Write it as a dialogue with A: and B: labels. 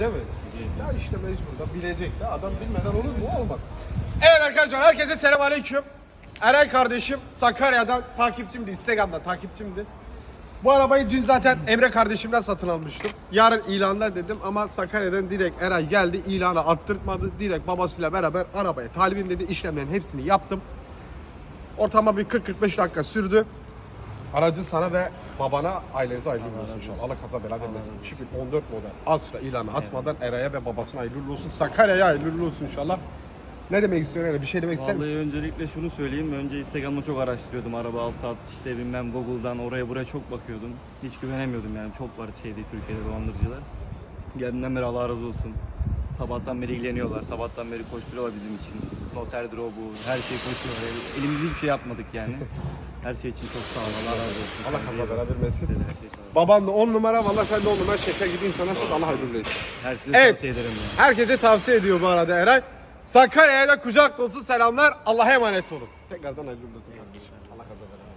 A: Değil mi? Ya işte mecbur da bilecek de adam bilmeden olur mu? Olmaz. Evet arkadaşlar herkese selamünaleyküm. Eren kardeşim Sakarya'dan takipçimdi, Instagram'da takipçimdi. Bu arabayı dün zaten Emre kardeşimden satın almıştım. Yarın ilanda dedim ama Sakarya'dan direkt Eray geldi, ilanı attırtmadı. Direkt babasıyla beraber arabaya talibim dedi, işlemlerin hepsini yaptım. Ortama bir 40-45 dakika sürdü. Aracı sana ve babana, ailenize hayırlı olsun inşallah. Allah kaza bela vermesin. 2014 model Astra ilanı atmadan Eray'a ve babasına hayırlı olsun. Sakarya'ya hayırlı olsun inşallah. Ne demek istiyorsun öyle? Bir şey demek ister misin?
B: Vallahi öncelikle şunu söyleyeyim. Önce Instagram'da çok araştırıyordum. Araba al sat işte bilmem Google'dan oraya buraya çok bakıyordum. Hiç güvenemiyordum yani. Çok var Türkiye'de dolandırıcılar. Geldiğinden beri Allah razı olsun. Sabahtan beri ilgileniyorlar. Sabahtan beri koşturuyorlar bizim için. Noter bu, her şey koşuyorlar. Elimizde hiçbir şey yapmadık yani. Her şey için çok sağ ol. Allah razı olsun.
A: Allah kaza bela vermesin.
B: Her şey sağ ol.
A: Baban da 10 numara, vallahi sen de 10 numara şeker gibi insana Allah hayırlı olsun.
B: Her şeyi
A: Evet.
B: tavsiye ederim yani.
A: Herkese tavsiye ediyor bu arada Eray. Sakarya'ya kucak dolusu selamlar. Allah'a emanet olun. Tekrardan hayırlı olsun kardeşim. Allah kaza bela.